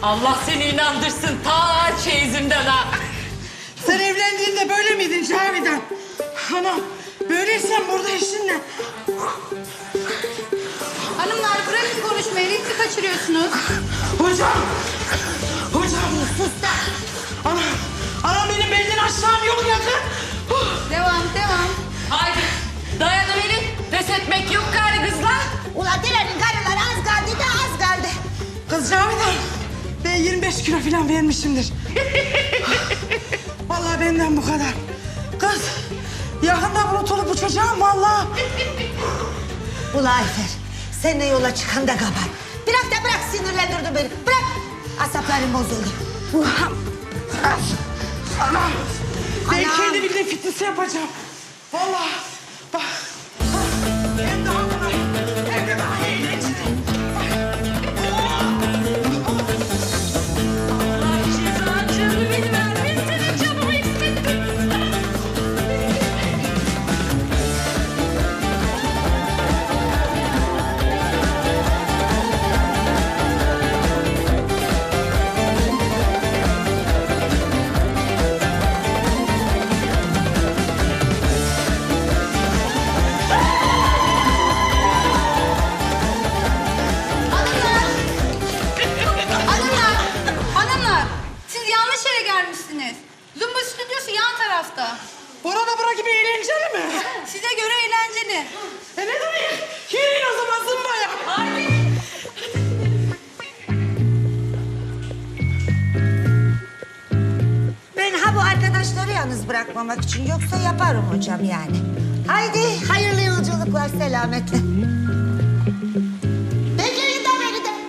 Allah seni inandırsın ta çeyizimden ha. Sen evlendiğinde böyle miydin Cavidan? Anam, böyleysen burada işin ne? Hanımlar bırakın konuşmayı, ritmi kaçırıyorsunuz. Hocam! Hocam! Sus da. Anam benim belden aşağım yok yakın. Devam. Haydi dayanıverin. Pes etmek yok gari kızlar. Ulan dilenin karıları az kaldı da az kaldı. Kız Cavidan, ben 25 kilo falan vermişimdir. Vallahi benden bu kadar. Kız, yakında unutulup uçacağım vallahi. Ulan Ayfer, seninle yola çıkan da kabar. Bırak sinirlendirdin beni. Bırak. Asaplarım bozuldu. Anam, ben Anam. kendi bildiğim fitnesi yapacağım. Vallahi bak. Hem daha kolay, hem de daha eğlenceli. Allah cezaçını beni vermesin. Senin canımı hissettim. Hanımlar, siz yanlış yere gelmişsiniz. Zumba stüdyosu yan tarafta. Bura gibi eğlenceli mi? Size göre eğlenceli. Ne durayım? Yürüyün o zaman zımbaya. Ben ha bu arkadaşları yalnız bırakmamak için yoksa yaparım hocam yani. Haydi hayırlı yolculuklar selametle. Bekleyin de beni de.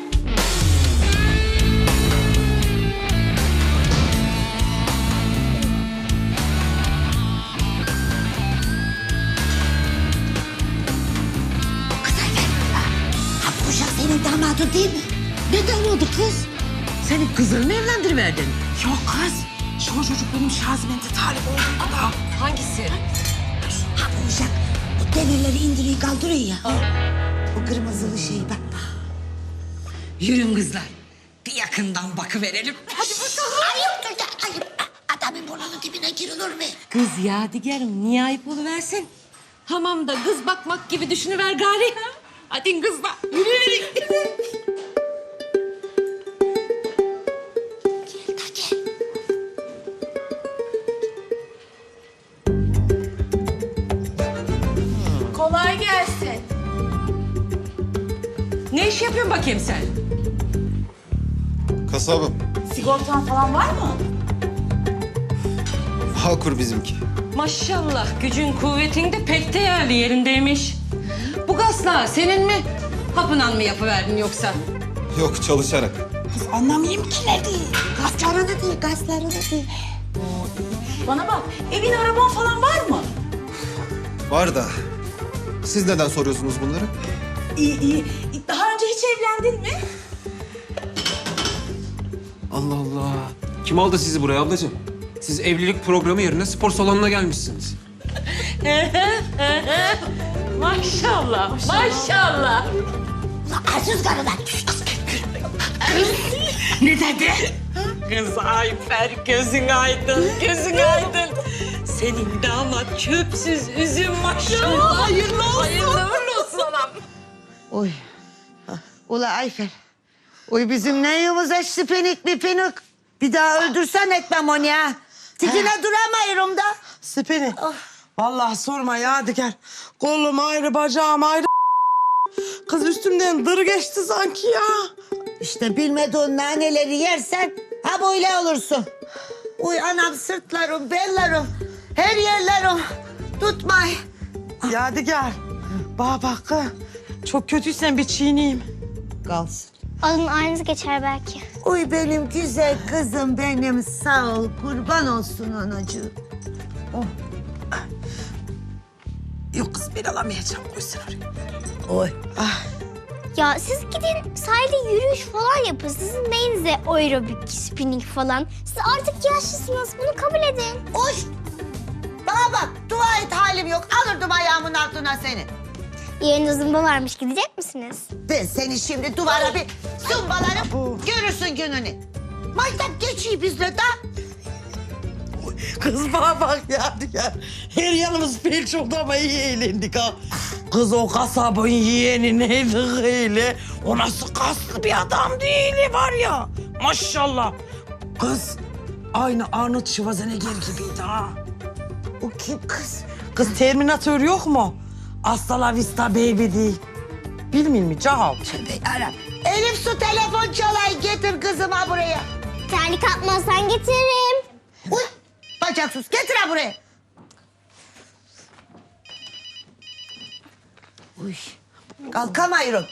Kız Ayfer, ha bu uşak senin damadın değil mi? Ne damadı kız? Senin kızını mı evlendiriverdin? Yok kız, şu çocuk benim Şazimen'de talip olduğunda da. Hangisi? Ha bu uşak bu demirleri indiriyor kaldırıyor ya. Bu kırmızılı şey bak. Yürün kızlar. Bir yakından bakıverelim. Hadi bakalım. Ayıptır da ayıp. Adamın burnunun dibine girilir mi? Kız Yadigar'ım niye ayıp oluversin? Hamamda kız bakmak gibi düşünüver gari. Hadi kızlar yürüyün. Gel da gel. Kolay gelsin. Ne iş yapıyorsun bakayım sen? Kasabım. Sigortan falan var mı? Bağkur bizimki. Maşallah gücün kuvvetin de pek değerli yerindeymiş. Bu gazla senin mi? Hapınan mı yapıverdin yoksa? Yok çalışarak. Kız anlamayayım ki ne değil. Gazlarını değil, gazlarını değil. Bana bak, evin araban falan var mı? Var da. Siz neden soruyorsunuz bunları? İyi. Daha önce hiç evlendin mi? Allah Allah. Kim aldı sizi buraya ablacığım? Siz evlilik programı yerine spor salonuna gelmişsiniz. Maşallah. Ulan arsız karılar. Ne dedi? Kız Ayfer gözün aydın, gözün aydın. Senin damat çöpsüz üzüm maşallah. Hayırlı olsun. Hayırlı uğurlu olsun anam. Oy. Ula Ayfer. Oy bizim neyimiz açtı penik bir penik. Bir daha öldürsen etmem onu ya. Tikine duramıyorum da. Siperi. Vallahi sorma Yadigar. Kolum ayrı, bacağım ayrı. Kız üstümden dır geçti sanki ya. İşte bilmediğin naneleri yersen ha böyle olursun. Uy anam sırtlarım, bellerim, her yerlerim. Tutmay. Yadigar. Bak. Çok kötüysen bir çiğneyim. Kalsın. Adın aynısı geçer belki. Uy benim güzel kızım benim sağ ol. Kurban olsun anacığım. Yok kız ben alamayacağım. Koysun oraya. Oy. Ya siz gidin sahilde yürüyüş falan yapın. Sizin neyinize aerobik, spinning falan. Siz artık yaşlısınız. Bunu kabul edin. Uy. Bana bak dua et halim yok. Alırdım ayağımın altına seni. Yarın zımba varmış. Gidecek misiniz? Ben seni şimdi duvara bir zımbalarım. Görürsün gününü. Maytap geçiyor bizle de. Kız bana bak Yadigar. Her yanımız felç oldu ama iyi eğlendik ha. Kız o kasabın yeğeni neydi öyle? O nasıl kaslı bir adam değil var ya. Maşallah. Kız aynı Arnold Schwarzenegger gibiydi ha. O kim kız? Kız Terminator yok mu? Hasta la vista baby değil. Bilmiyor musun Cahal? Ara. Elif su telefon çalay getir kızıma buraya. Terlik atmazsan getiririm. Uy bacaksız getir ha buraya. Uy kalkamayırım.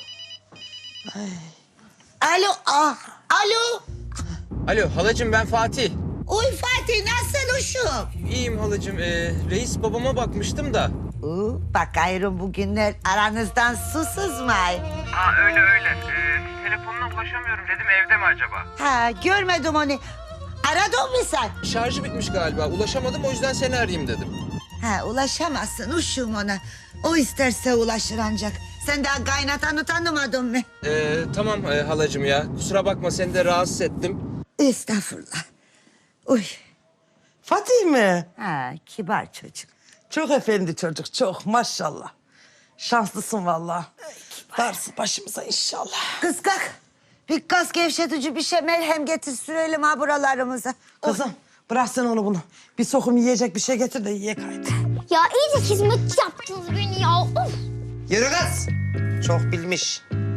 Alo alo. Alo halacığım ben Fatih. Uy Fatih nasılsın uşum? İyiyim halacığım. Reis babama bakmıştım da. Bakıyorum bugünler aranızdan su sızmay. Öyle. Telefonuna ulaşamıyorum dedim evde mi acaba? Ha görmedim onu. Aradın mı sen? Şarjı bitmiş galiba. Ulaşamadım o yüzden seni arayayım dedim. Ha ulaşamazsın uşum ona. O isterse ulaşır ancak. Sen daha kaynatanı tanımadın mı? Tamam halacığım ya. Kusura bakma seni de rahatsız ettim. Estağfurullah. Uy. Fatih mi? Ha kibar çocuk. Çok efendi çocuk, çok maşallah. Şanslısın vallahi. Darısı başımıza inşallah. Kız kalk. Bir kas gevşetici bir şey merhem getir sürelim ha buralarımıza. Kızım bırak sen onu bunu. Bir sokum yiyecek bir şey getir de yiyek haydi. Ya iyice hizmetçi yaptınız beni ya. Of. Yürü kız. Çok bilmiş.